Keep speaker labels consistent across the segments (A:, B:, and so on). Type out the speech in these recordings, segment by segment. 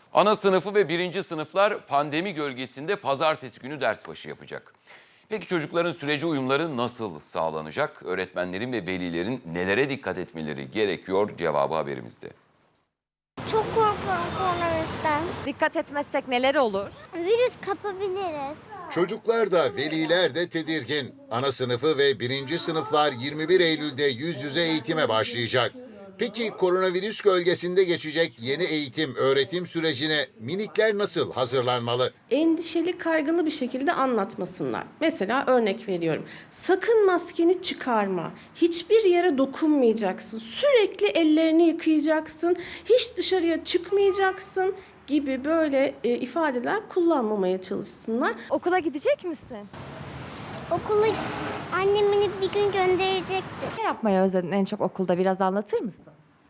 A: Ana sınıfı ve birinci sınıflar pandemi gölgesinde pazartesi günü ders başı yapacak. Peki çocukların sürece uyumları nasıl sağlanacak? Öğretmenlerin ve velilerin nelere dikkat etmeleri gerekiyor? Cevabı haberimizde.
B: Çok korkuyorum koronavirüsten.
C: Dikkat etmezsek neler olur?
B: Virüs kapabiliriz.
D: Çocuklar da veliler de tedirgin. Ana sınıfı ve birinci sınıflar 21 Eylül'de yüz yüze eğitime başlayacak. Peki koronavirüs gölgesinde geçecek yeni eğitim, öğretim sürecine minikler nasıl hazırlanmalı?
E: Endişeli, kaygılı bir şekilde anlatmasınlar. Mesela örnek veriyorum. Sakın maskeni çıkarma. Hiçbir yere dokunmayacaksın. Sürekli ellerini yıkayacaksın. Hiç dışarıya çıkmayacaksın gibi böyle ifadeler kullanmamaya çalışsınlar.
C: Okula gidecek misin?
B: Okula annem beni bir gün gönderecekti.
C: Ne yapmayı özledin en çok okulda, biraz anlatır mısın?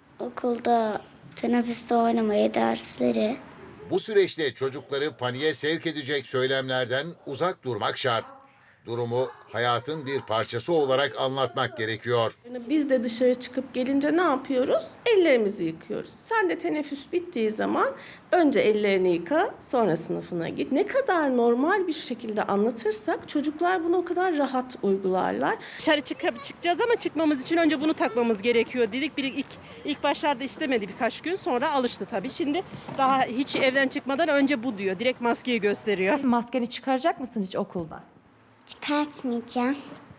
B: Okulda teneffüste oynamayı, dersleri.
D: Bu süreçte çocukları paniğe sevk edecek söylemlerden uzak durmak şart. Durumu hayatın bir parçası olarak anlatmak gerekiyor.
E: Biz de dışarı çıkıp gelince ne yapıyoruz? Ellerimizi yıkıyoruz. Sen de teneffüs bittiği zaman önce ellerini yıka, sonra sınıfına git. Ne kadar normal bir şekilde anlatırsak çocuklar bunu o kadar rahat uygularlar.
F: Dışarı çıkacağız ama çıkmamız için önce bunu takmamız gerekiyor dedik. İlk başlarda istemedi birkaç gün, sonra alıştı tabii. Şimdi daha hiç evden çıkmadan önce bu diyor. Direkt maskeyi gösteriyor.
C: Maskeni çıkaracak mısın hiç okulda?
B: Çıkartmayacağım.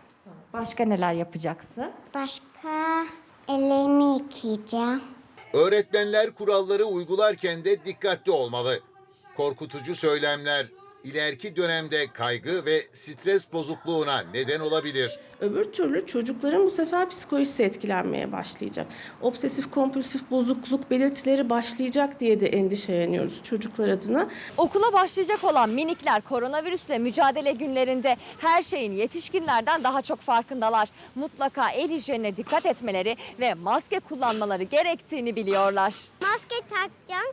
C: Başka neler yapacaksın?
B: Başka ellerimi yıkayacağım.
D: Öğretmenler kuralları uygularken de dikkatli olmalı. Korkutucu söylemler ileriki dönemde kaygı ve stres bozukluğuna neden olabilir.
E: Öbür türlü çocukların bu sefer psikolojisi etkilenmeye başlayacak. Obsesif kompulsif bozukluk belirtileri başlayacak diye de endişeleniyoruz çocuklar adına.
C: Okula başlayacak olan minikler koronavirüsle mücadele günlerinde her şeyin yetişkinlerden daha çok farkındalar. Mutlaka el hijyenine dikkat etmeleri ve maske kullanmaları gerektiğini biliyorlar.
B: Maske takacağım.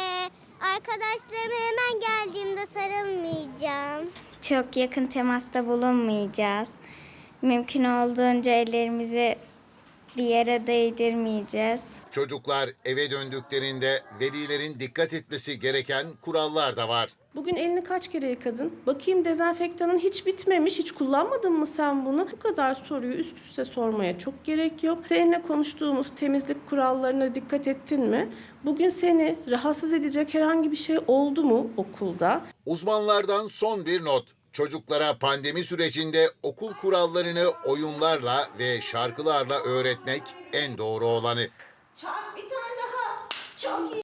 B: Arkadaşlarıma hemen geldiğimde sarılmayacağım. Çok yakın temasta bulunmayacağız. Mümkün olduğunca ellerimizi bir yere değdirmeyeceğiz.
D: Çocuklar eve döndüklerinde velilerin dikkat etmesi gereken kurallar da var.
E: Bugün elini kaç kere yıkadın? Bakayım dezenfektanın hiç bitmemiş, hiç kullanmadın mı sen bunu? Bu kadar soruyu üst üste sormaya çok gerek yok. Seninle konuştuğumuz temizlik kurallarına dikkat ettin mi? Bugün seni rahatsız edecek herhangi bir şey oldu mu okulda?
D: Uzmanlardan son bir not. Çocuklara pandemi sürecinde okul kurallarını oyunlarla ve şarkılarla öğretmek en doğru olanı.
E: Bir tane daha. Çok iyi.